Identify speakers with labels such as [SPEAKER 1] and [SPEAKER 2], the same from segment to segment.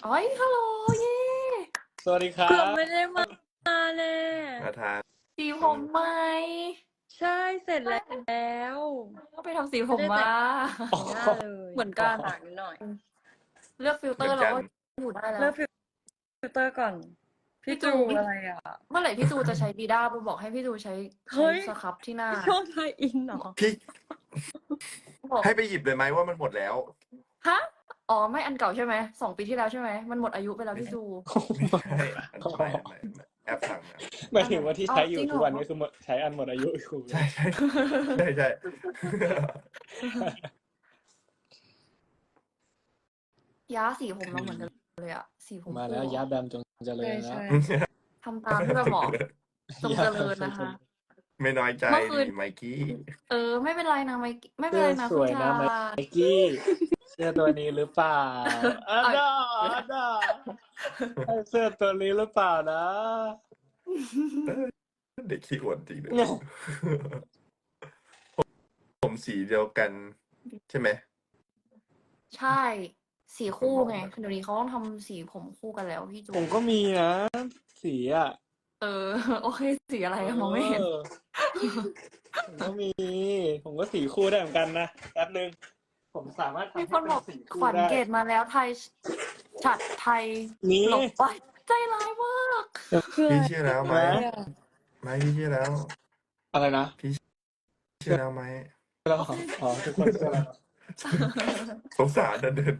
[SPEAKER 1] อ๋อยฮัลโหลเย่
[SPEAKER 2] สวัสดีครั
[SPEAKER 3] เกือบบ ไม่ได้มาเลย
[SPEAKER 2] อาทาน
[SPEAKER 1] สีผมไหม
[SPEAKER 3] ใช่เสร็จแล้ว
[SPEAKER 1] ก็ไปทำสีผมมา
[SPEAKER 3] แต่งหน้าเลย
[SPEAKER 1] เหมือนกัน
[SPEAKER 3] ปากนิดหน่อย
[SPEAKER 1] เลือกฟิลเต
[SPEAKER 2] เห
[SPEAKER 1] อ
[SPEAKER 2] มือ
[SPEAKER 1] ร์
[SPEAKER 2] น
[SPEAKER 1] เรา
[SPEAKER 2] กัน
[SPEAKER 1] ก็อยู่ได้แล้ว
[SPEAKER 3] เลิกฟิลเตอร์ก่อน พี่จู
[SPEAKER 1] พี่จู
[SPEAKER 3] อะไรอ่ะ
[SPEAKER 1] เมื่อไหร่พี่จูจะใช้ดีด้าบูบอกให้พี่จูใช้
[SPEAKER 3] เฮ้ย
[SPEAKER 1] สครับที่หน้า
[SPEAKER 3] ช่วงไทยอินเหรอ
[SPEAKER 2] พี่
[SPEAKER 1] บอก
[SPEAKER 2] ให้ไปหยิบเลยไหมว่ามันหมดแล้ว
[SPEAKER 1] ฮะอ๋อไม่อันเก่าใช่ไหม2 ปีที่แล้วใช่ไหมมันหมดอายุไปแล้วพี่จู
[SPEAKER 2] ไม่ใช่ไม่แอปสั่งนะ
[SPEAKER 4] หมายถึงว่าที่ใช้อยู่
[SPEAKER 1] จริงเหรอ
[SPEAKER 4] ทุกวันนี้คือใช้อันหมดอายุอยู่
[SPEAKER 2] ใช่ใช่ใช่ใช่
[SPEAKER 1] ย้าสีผมเราเหมือนกันเลยอะสีผม
[SPEAKER 4] มาแล้ว
[SPEAKER 1] คู่
[SPEAKER 4] ยาแบมจงเจริญ
[SPEAKER 3] ใช่
[SPEAKER 4] นะ
[SPEAKER 3] ใช่
[SPEAKER 1] ทำตามที่แบบหมอจงเจริญนะคะ
[SPEAKER 2] ไม่น้อยใจ
[SPEAKER 1] เมื่อคืน
[SPEAKER 2] นี่ไมกี้
[SPEAKER 1] ไม่เป็นไรนะไม่เป็นไรนะ
[SPEAKER 4] สวย
[SPEAKER 1] คุณ
[SPEAKER 4] นะ
[SPEAKER 1] ชา
[SPEAKER 4] ไมกี้เสื้อตัวนี้หรือเปล่าอันดาเสื้อตัวนี้หรือเปล่านะ
[SPEAKER 2] เด็กขี้อวดจริงเลยผมสีเดียวกัน ใช่ไหม
[SPEAKER 1] ใช่สีคู่ไงเดี๋ยวนี้เขาต้องทำสีผมคู่กันแล้วพี่จู
[SPEAKER 4] ผมก็มีนะ สีอ่ะ
[SPEAKER 1] โอเคสีอะไรอะมองไม่เห็น
[SPEAKER 4] ผมก็มี ผมก็สีคู่ได้เหมือนกันนะแป๊บนึงผมสามารถทำ
[SPEAKER 1] มี
[SPEAKER 4] ให้
[SPEAKER 1] คนบอก
[SPEAKER 4] เป็นสี
[SPEAKER 1] ข
[SPEAKER 4] คู่
[SPEAKER 1] วัญ
[SPEAKER 4] ได้
[SPEAKER 1] เกตมาแล้วไทยฉัดไทย
[SPEAKER 4] นี่
[SPEAKER 1] หลบไปใจร้ายมาก
[SPEAKER 2] พี่เชื่อแล้วไหม
[SPEAKER 4] นะ
[SPEAKER 2] ไม่พี่เชื่อแล้ว
[SPEAKER 4] อะไรนะ
[SPEAKER 2] เชื่อแล้วไหม
[SPEAKER 4] แล้วอ๋อทุกคนเชื่อแล้ว
[SPEAKER 2] สงสารเดินไป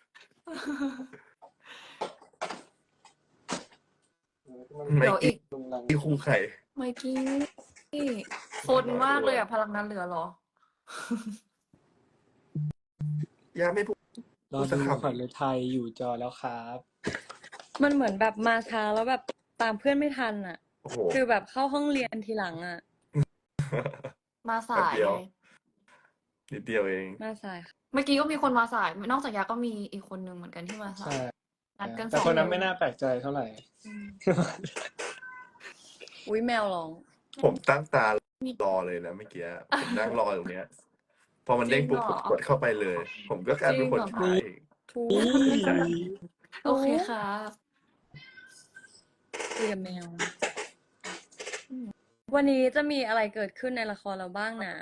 [SPEAKER 2] ไม่
[SPEAKER 1] เดี๋ยวอีก
[SPEAKER 2] ที่คู่ไข่
[SPEAKER 1] ไมกี้คนมากเลยอะพลังนั้นเหลือเหรอ
[SPEAKER 2] ย่าไม่พูด
[SPEAKER 4] รอดูขวัญฤทัยอยู่จอแล้วครับ
[SPEAKER 3] มันเหมือนแบบมาช้าแล้วแบบตามเพื่อนไม่ทันอ่ะ
[SPEAKER 2] โอ้โห
[SPEAKER 3] คือแบบเข้าห้องเรียนทีหลังอ่ะ
[SPEAKER 1] มาสาย
[SPEAKER 2] แป๊บเดียว
[SPEAKER 1] ไง
[SPEAKER 2] นิดเดียวเอง
[SPEAKER 3] มาสายค่ะ
[SPEAKER 1] เมื่อกี้ก็มีคนมาสายนอกจากยาก็มีอีกคนนึงเหมือนกันที่มาสา
[SPEAKER 4] ใช่
[SPEAKER 1] ยนัดกัน
[SPEAKER 4] แต่
[SPEAKER 1] สอง
[SPEAKER 4] คนนั้นไม่น่าแปลกใจเท่าไหร่
[SPEAKER 1] อืม
[SPEAKER 3] อุ้ยแมวร้อง
[SPEAKER 2] ผมตั้งตารอเลยนะเมื่อกี้ผมนั่งรอตรงเนี้ย พอมันเด้งปุ๊บผมกดเข้าไปเลย ผมก็กลายเป็นคนขาย
[SPEAKER 3] ทู
[SPEAKER 1] โอเคค่ะ
[SPEAKER 3] คุยกับแมว วันนี้จะมีอะไรเกิดขึ้นในละครเราบ้างนะ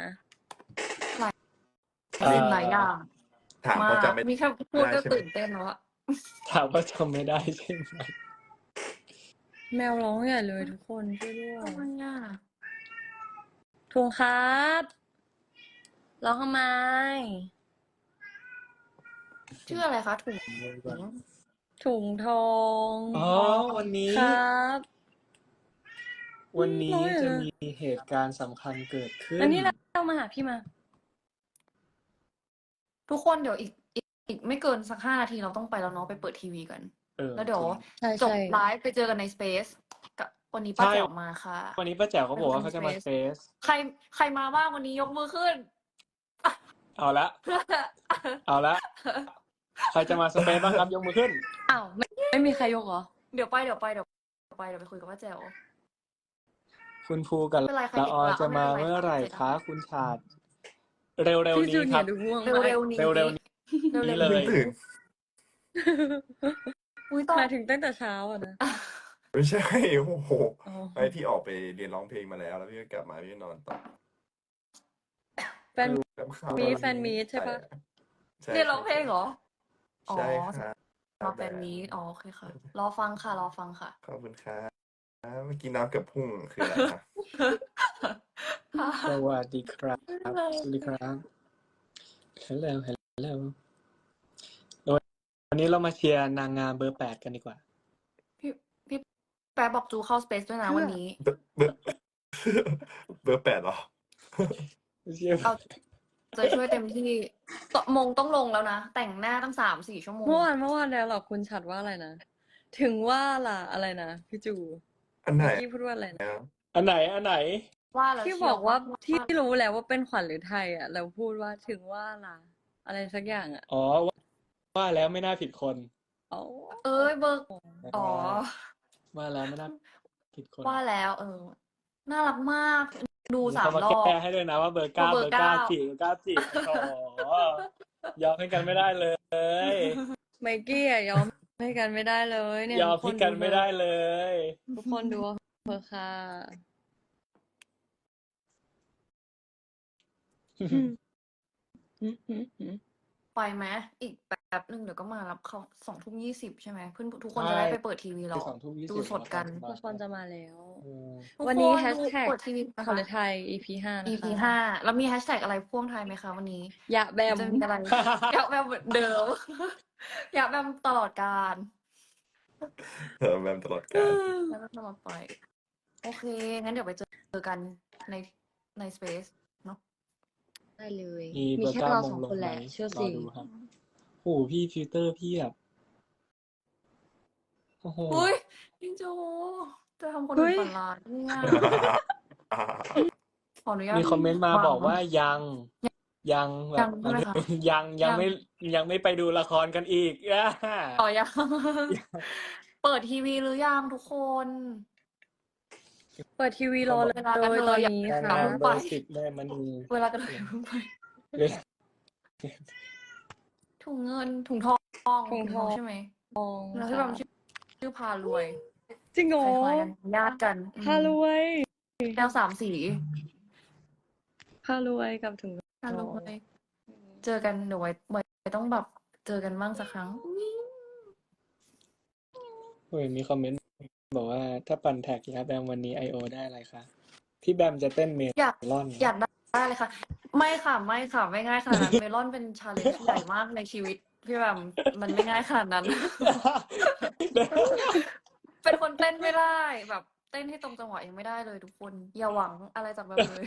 [SPEAKER 1] เป็นหลายอย่าง
[SPEAKER 2] ถามเขาจำไม่
[SPEAKER 1] มีแค่พูดก็
[SPEAKER 2] ได้ใช่ไหม
[SPEAKER 1] ตื่นเต้นแล้วอะ
[SPEAKER 4] ถามว่าจำไม่ได้ใช่ไหม
[SPEAKER 3] แมวร้องใหญ่เลยทุกคนช่วยด้วย
[SPEAKER 1] ทำไมอะ
[SPEAKER 3] ทวงครับร้องทำไม
[SPEAKER 1] ชื่ออะไรคะถุง
[SPEAKER 3] ถุงทอง
[SPEAKER 4] อ๋อวันนี้
[SPEAKER 3] ครับ
[SPEAKER 4] วันนี้
[SPEAKER 3] น้อยเหรอ
[SPEAKER 4] จะมีเหตุการณ์สำคัญเกิดขึ้น
[SPEAKER 3] อันนี้เรามาหาพี่มา
[SPEAKER 1] ทุกคนเดี๋ยวอีกไม่เกินสัก5 นาทีเราต้องไปแล้วเนาะไปเปิดทีวีกัน แล้วเดี๋ยว
[SPEAKER 3] ใช่
[SPEAKER 1] จบ
[SPEAKER 3] ใช่
[SPEAKER 1] ไลฟ์ไปเจอกันในสเปซกับวันนี้ป้าแจ๋วมาค่ะ
[SPEAKER 4] วันนี้ป้าแจ๋วเขาบอกว่าเขาจะมาเฟส
[SPEAKER 1] ใครมาบ้างวันนี้ยกมือขึ้น
[SPEAKER 4] เอาละ เอาละ ใครจะมาสเปซบ้างครับยกมือขึ้น
[SPEAKER 3] อ้าวไม่มีใครยกเหรอ
[SPEAKER 1] เดี๋ยวไปคุยกับป้าแจ๋ว
[SPEAKER 4] คุณภูกับ
[SPEAKER 1] ไม่เป็นไรใคร
[SPEAKER 4] ละออ
[SPEAKER 1] ติดละ
[SPEAKER 4] จะมา
[SPEAKER 1] ไม่เป็นไร
[SPEAKER 4] เมื่อไหร่
[SPEAKER 1] ค่ะ
[SPEAKER 4] คะคุณชาติเร็ว
[SPEAKER 3] พี่
[SPEAKER 4] ๆ
[SPEAKER 3] จู
[SPEAKER 4] นี้
[SPEAKER 3] เนี
[SPEAKER 4] ค
[SPEAKER 3] ย
[SPEAKER 4] รับ
[SPEAKER 3] ร์ดูง่วง
[SPEAKER 1] เร็วๆนี้
[SPEAKER 4] เร็วๆนี้
[SPEAKER 1] เร็วๆ
[SPEAKER 4] นี่
[SPEAKER 1] นี้
[SPEAKER 4] เลย
[SPEAKER 2] ตื่น
[SPEAKER 1] อุ้ยตอน
[SPEAKER 3] มาถึงตั้งแต่เช้าอ่ะนะ
[SPEAKER 2] ไม่ใช่โอ้โห
[SPEAKER 3] อ๋อ
[SPEAKER 2] ไอพี่ออกไปเรียนร้องเพลงมาแล้วพี่ก็กลับมาพี่ก็นอนต่อ
[SPEAKER 3] แฟน
[SPEAKER 2] กับข้าว
[SPEAKER 3] มีแฟนมีตใช่ปะ
[SPEAKER 2] ใช่
[SPEAKER 1] เรียนร้องเพลงเหรอ
[SPEAKER 2] ใช่ค่ะ
[SPEAKER 1] รอแฟนมีตโอเคค่ะ รอฟังค่ะ
[SPEAKER 2] ขอบคุณครับเมื่อกี้น้ำเกับพุ่งคืออะไรคะ
[SPEAKER 4] สวัสดีครับ สวัสดีครับฮัลโหลวันนี้เรามาเชียร์นางงามเบอร์ 8 กันดีกว่า
[SPEAKER 1] พี่แป๊บบอกจูเข้าสเปซด้วยนะวันนี้
[SPEAKER 2] เบอร์ 8เหรอ
[SPEAKER 4] เชียร์
[SPEAKER 1] เอาจะช่วยเต็มที่ต้องลงแล้วนะ แต่งหน้าตั้ง3-4 ชั่วโมง
[SPEAKER 3] เมื่อวานแล้วหรอคุณชัดว่าอะไรนะ ถึงว่าล่ะอะไรนะพี่จู
[SPEAKER 2] อันไหน
[SPEAKER 3] พี่พูดว่าอะไรนะ
[SPEAKER 4] อันไหน
[SPEAKER 1] ว่าแล้ว
[SPEAKER 3] ที่บอกว่าที่รู้แล้วว่าเป็นขวัญหรือไทยอ่ะแล้วพูดว่าถึงว่าล่ะอะไรสักอย่างอ่ะ
[SPEAKER 4] อ๋อ ว่าแล้วไม่น่าผิดคน
[SPEAKER 3] อ๋อ
[SPEAKER 1] เอ้ยเบอร์อ๋อ
[SPEAKER 4] ว่าแล้วไม่น่าผิดคน
[SPEAKER 1] ว่าแล้วน่ารักมาก ดู
[SPEAKER 4] เขา
[SPEAKER 1] 3
[SPEAKER 4] มา
[SPEAKER 1] รอบ
[SPEAKER 4] แก้ให้ด้วยนะว่าเบอร์ 9
[SPEAKER 1] เบ
[SPEAKER 4] เบ
[SPEAKER 1] อ
[SPEAKER 4] อ
[SPEAKER 1] ร์
[SPEAKER 4] ร์ 9
[SPEAKER 1] 9
[SPEAKER 4] จีโอ้โหยอมให้กันไม่ได้เลย
[SPEAKER 3] ไมกี้อ่ะยอมให้กันไม่ได้เลยเนี่ย
[SPEAKER 4] ยอม
[SPEAKER 3] ทุกค
[SPEAKER 4] พี่
[SPEAKER 3] น
[SPEAKER 4] กัน
[SPEAKER 3] ดู
[SPEAKER 4] ไม่
[SPEAKER 3] เถ
[SPEAKER 4] ได้
[SPEAKER 3] อะ
[SPEAKER 4] เลย
[SPEAKER 3] ทุกคนดูเถอะค่ะ
[SPEAKER 1] ไปไหมอีกแป๊บหนึ่งเดี๋ยวก็มารับเขา20:20ใช่ไหมเพื่อนทุกคน
[SPEAKER 4] ใช่
[SPEAKER 1] จะได้ไปเปิดทีวีร
[SPEAKER 4] คือ
[SPEAKER 1] อ
[SPEAKER 4] 20:20
[SPEAKER 1] ดูสดกัน
[SPEAKER 4] แล้ว
[SPEAKER 3] ทุกคนจะมาแล้ว
[SPEAKER 1] ทุก
[SPEAKER 3] วัน
[SPEAKER 1] ค
[SPEAKER 3] นี้
[SPEAKER 1] น
[SPEAKER 3] แฮช
[SPEAKER 1] ดู
[SPEAKER 3] แท็ก
[SPEAKER 1] เปิดทีวีนะ
[SPEAKER 3] ขวัญ
[SPEAKER 1] คะ
[SPEAKER 3] ฤทัย EP 5 นะ
[SPEAKER 1] EP
[SPEAKER 3] คะ
[SPEAKER 1] 5แล้วมีแฮชแท็กอะไรพ่วงท้ายไหมคะวันนี้
[SPEAKER 3] ยะแบ
[SPEAKER 1] หรือ
[SPEAKER 3] ม
[SPEAKER 1] จะมีอะไร ยะแบมเหมือนเดิม ยะแบมตลอดกาล
[SPEAKER 2] แบมตลอดกาล
[SPEAKER 1] ยะแบมตลอดไป โอเค งั้นเดี๋ยวไปเจอกันในสเปซเนาะ
[SPEAKER 3] ได้เลย
[SPEAKER 4] มี
[SPEAKER 3] มี
[SPEAKER 4] เบอร์
[SPEAKER 3] แค่
[SPEAKER 4] เก้า
[SPEAKER 3] เรา
[SPEAKER 4] ม
[SPEAKER 3] ส
[SPEAKER 4] ง
[SPEAKER 3] อง
[SPEAKER 4] ล
[SPEAKER 3] ค
[SPEAKER 4] ง
[SPEAKER 3] น
[SPEAKER 4] ไห
[SPEAKER 3] แห
[SPEAKER 4] ม
[SPEAKER 3] ละเชื่อ
[SPEAKER 4] รอ
[SPEAKER 3] สิ
[SPEAKER 4] ดูครับโอ้โหพี่ฟิลเตอร์พี่แบบโอ้โห
[SPEAKER 1] อุ้ยจิงโจจะทำคน
[SPEAKER 3] เฮ้
[SPEAKER 1] อื่น
[SPEAKER 3] ย
[SPEAKER 1] ฝันร้ายเนี่ยขออนุญาต
[SPEAKER 4] มีคอมเมนต์มา
[SPEAKER 1] ฟัง
[SPEAKER 4] บอกว่ายังแบ
[SPEAKER 1] ยั
[SPEAKER 4] บ
[SPEAKER 1] งใช่ไหมคะ
[SPEAKER 4] ยังไม่ไปดูละครกันอีก
[SPEAKER 1] ต่อยัง เปิดทีวีหรือยังทุกคน
[SPEAKER 3] เปิดทีวีรอเล
[SPEAKER 1] เวลากัน
[SPEAKER 3] ย
[SPEAKER 1] เล
[SPEAKER 3] ตอน
[SPEAKER 1] ยอย่า
[SPEAKER 3] นี้
[SPEAKER 4] นาง
[SPEAKER 3] ค่ะ
[SPEAKER 4] งาม
[SPEAKER 1] ไป
[SPEAKER 4] เบอร์ 10 แม่มณี
[SPEAKER 1] เวลากันเลยเพิ่งไป
[SPEAKER 4] เวลา
[SPEAKER 1] ถุงเงินถุงทอง
[SPEAKER 3] ถุงทอง
[SPEAKER 1] ใช่ไหม
[SPEAKER 3] มอง
[SPEAKER 1] แล้วที่
[SPEAKER 3] ค่ะ
[SPEAKER 1] แบบชื่อพารวย
[SPEAKER 3] จริงเหรอ
[SPEAKER 1] คล้ายๆกันญาติกัน
[SPEAKER 3] พารวย
[SPEAKER 1] แนว3 สี
[SPEAKER 3] พารวยกับถุง
[SPEAKER 1] พา
[SPEAKER 3] ท
[SPEAKER 1] ร
[SPEAKER 3] อง
[SPEAKER 1] วย เจอกันเดี๋ยวไว้ต้องแบบเจอกันบ้างสักครั้ง
[SPEAKER 4] โอ้ยมีคอมเมนต์บอกว่าถ้าปั่นแท็กยาแบมวันนี้ I.O. ได้อะไรคะพี่แบมจะเต้นเม
[SPEAKER 1] อยาก
[SPEAKER 4] ลอน
[SPEAKER 1] อยากได้เลยค่ะ ไม่ค่ะไม่ง่ายขนาดนั้น เมลอนเป็นชาเลนจ์ใหญ่มากในชีวิตพี่แบบมันไม่ง่ายขนาดนั้น เป็นคนเต้นไม่ได้แบบ เต้นให้ตรงจังหวะยังไม่ได้เลยทุกคน อย่าหวังอะไรจากแบบเลย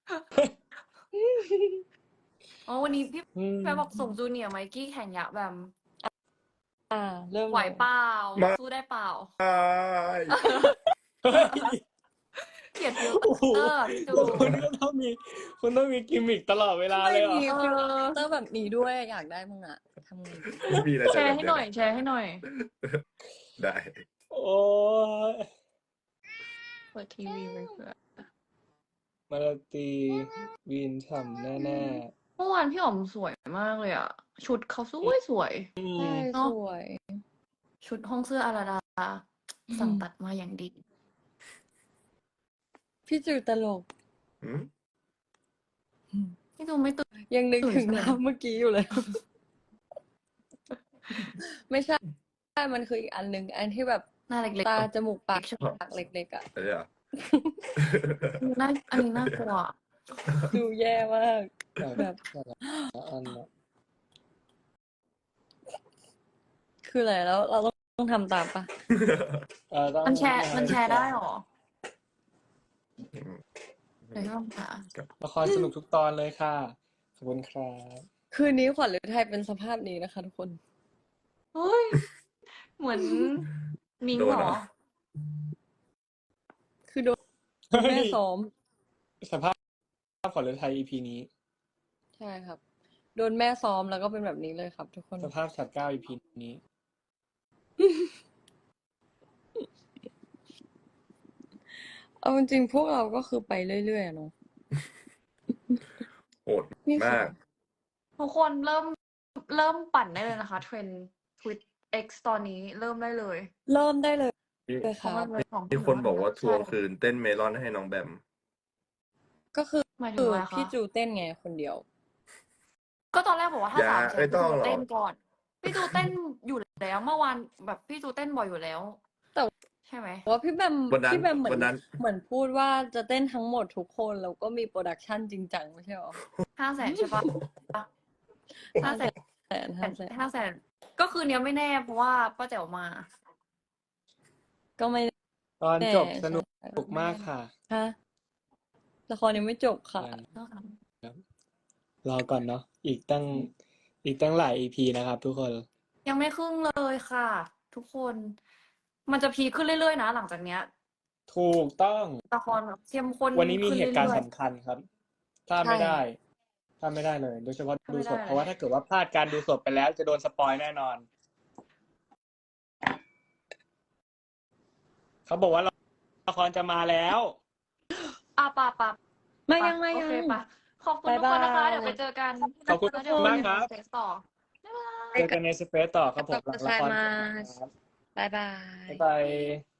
[SPEAKER 1] อ๋อวันนี้พี่
[SPEAKER 4] อืม
[SPEAKER 1] แม่บอกส่งจูเนียร์ไมกี้แข่งยะแบบ
[SPEAKER 3] เริ่ม
[SPEAKER 1] ไหว
[SPEAKER 3] เลย
[SPEAKER 1] เปล่า
[SPEAKER 2] มา
[SPEAKER 1] สู้ได้เปล่า
[SPEAKER 2] ใช่
[SPEAKER 4] เฮ้ย
[SPEAKER 1] เกลียดฟิล
[SPEAKER 4] โอ้โห
[SPEAKER 1] เตอร์อะพี่จู
[SPEAKER 4] คุณก็ต้องมีกิมมิคตลอดเวลาเลยเหรอ
[SPEAKER 3] มีฟิลเตอร์แบบนี้ด้วยอยากได้มึงอะทำไงดี
[SPEAKER 2] ไม่มีอะไร
[SPEAKER 1] แช
[SPEAKER 2] จะ
[SPEAKER 1] ร์
[SPEAKER 2] แบบ
[SPEAKER 1] ให้
[SPEAKER 2] เนี้
[SPEAKER 1] หน่อย
[SPEAKER 2] ย
[SPEAKER 1] แชร์ให้หน่อย
[SPEAKER 2] ได้
[SPEAKER 4] โอ้ย
[SPEAKER 1] เปิดทีวีไว้เผื่อ
[SPEAKER 4] มาราตรีวีนฉ่ำแน่
[SPEAKER 1] เมื่อวานพี่อ๋อมสวยมากเลยอ่ะ ชุดเขาสวย
[SPEAKER 4] ๆอื
[SPEAKER 3] ใช่
[SPEAKER 4] ม
[SPEAKER 1] เนอะ
[SPEAKER 3] สวย
[SPEAKER 1] ชุดห้องเสื้ออาราดา สั่งตัดมาอย่างดี
[SPEAKER 3] พี่จูตลก
[SPEAKER 2] หืม
[SPEAKER 1] พี่จูไม่ตื่น
[SPEAKER 3] ยังนึกถึง
[SPEAKER 1] ตื่น
[SPEAKER 3] ภาพเมื่อกี้อยู่เลย ไม่ใช่ มันคืออีกอันหนึ่งอันที่แบบ
[SPEAKER 1] หน้าเล็ก
[SPEAKER 3] ตาจมูกปาก
[SPEAKER 1] ใช่ไหม
[SPEAKER 3] ปากเล็กๆอ่ะ
[SPEAKER 2] อะไรอ่ะ
[SPEAKER 1] ๆน่าอันนี้น่ากลัว
[SPEAKER 3] ดูแย่มาก แบบ
[SPEAKER 4] อันน่ะ
[SPEAKER 3] คืออะไรแล้วเราต้องทำตามปะ
[SPEAKER 4] ต้อง
[SPEAKER 1] มันแชร์ได้หรอ เดี๋ยวพี่ลองหา
[SPEAKER 4] ละครสนุกทุกตอนเลยค่ะ ขอบคุณครับ
[SPEAKER 3] คืนนี้ขวัญฤทัยเป็นสภาพนี้นะคะทุกคน
[SPEAKER 1] เฮ้ย เหมือนมิง
[SPEAKER 2] โดน
[SPEAKER 1] เหร
[SPEAKER 2] เหร
[SPEAKER 1] อ
[SPEAKER 2] อ
[SPEAKER 3] คือโดนแม่ซ้อม
[SPEAKER 4] สภาพขวัญฤทัย EP นี้
[SPEAKER 3] ใช่ครับ โดนแม่ซ้อมแล้วก็เป็นแบบนี้เลยครับ ทุกคน
[SPEAKER 4] สภาพสัตว์9 EP นี้
[SPEAKER 3] เอาจริงๆพวกเราก็คือไปเรื่อยๆอะเนาะ
[SPEAKER 2] โหด
[SPEAKER 3] นี่คือ
[SPEAKER 2] มาก
[SPEAKER 1] ทุกคนเริ่มปั่นได้เลยนะคะ เทรนด์ Twitch X ตอนนี้เริ่มได้เลย
[SPEAKER 3] เริ่มได้เลย
[SPEAKER 2] มี
[SPEAKER 3] เลย
[SPEAKER 1] เพราะ
[SPEAKER 3] ค่ะ
[SPEAKER 1] มันเป็นของ
[SPEAKER 2] มีคนบอกว่าทวง
[SPEAKER 1] ใช่
[SPEAKER 2] คืนเต้นเมลอนให้น้องแบม
[SPEAKER 3] ก็คือ
[SPEAKER 1] หมายถึงอะไรคะ
[SPEAKER 3] พี่จูเต้นไงคนเดียว
[SPEAKER 1] ก็ตอนแรกบอกว่าถ้า
[SPEAKER 2] อย่า
[SPEAKER 1] 3 แส
[SPEAKER 2] ไม่
[SPEAKER 1] น
[SPEAKER 2] ต้อง
[SPEAKER 1] พี่จู
[SPEAKER 2] หรอก
[SPEAKER 1] เต้นก่อน พี่จูเต้นอยู่แล้วเมื่อวานแบบพี่จูเต้นบ่อยอยู่แล้ว
[SPEAKER 3] แต่
[SPEAKER 1] ใช่ไหม
[SPEAKER 3] ว่าพี่แบม
[SPEAKER 2] วันนั้น
[SPEAKER 3] พี่แบมเหมื
[SPEAKER 2] วันนั้น
[SPEAKER 3] เหมือนพูดว่าจะเต้นทั้งหมดทุกคนแล้วก็มีโปรดักชันจริงจังไม่ใช่หรอ
[SPEAKER 1] 5 แสนใช่ปะ5 แสน
[SPEAKER 3] 500,000
[SPEAKER 1] 5 แสนก็คือเนี้ยไม่แน่เพราะว่าป้าแจ๋วมา
[SPEAKER 3] ก็ไม่
[SPEAKER 4] ตอน
[SPEAKER 3] แน่
[SPEAKER 4] จบสนุก
[SPEAKER 3] ใช่
[SPEAKER 4] มากค่ะ
[SPEAKER 3] ฮะละครยังไม่จบค่ะ
[SPEAKER 4] รอก่อนเนาะอีกตั้งหลาย EP นะครับทุกคน
[SPEAKER 1] ยังไม่ครึ่งเลยค่ะ ทุกคน มันจะพีคขึ้นเรื่อยๆนะหลังจากเนี้ย
[SPEAKER 4] ถูกต้อง
[SPEAKER 1] ละครแบบเข้มข้น
[SPEAKER 4] วันนี้มี
[SPEAKER 1] ขึ้
[SPEAKER 4] เหตุการณ์
[SPEAKER 1] อย
[SPEAKER 4] สำคัญครับพลาดไม่ได้พลาดไม่ได้เลย โดยเฉพาะดูสด เพราะว่าถ้าเกิดว่าพลาดการดูสดไปแล้วจะโดนสปอยแน่นอน เขาบอกว่าละครจะมาแล้ว
[SPEAKER 1] ๆอ่ะปะ
[SPEAKER 3] ไม่ยังไม่
[SPEAKER 1] โอ
[SPEAKER 3] ยั
[SPEAKER 1] เค
[SPEAKER 3] ง
[SPEAKER 1] ปะขอบคุณทุกคนนะคะ
[SPEAKER 3] บ๊ายบาย
[SPEAKER 1] เดี๋ยวไปเจอกัน
[SPEAKER 4] ขอบคุณ
[SPEAKER 1] แล้วเดี๋ยว
[SPEAKER 4] มากครับ
[SPEAKER 1] เทสต่อบ๊ายบาย
[SPEAKER 4] เจอกันในสเปซต่อครับผมหลังละคร
[SPEAKER 3] บ๊ายบาย
[SPEAKER 4] บ๊ายบาย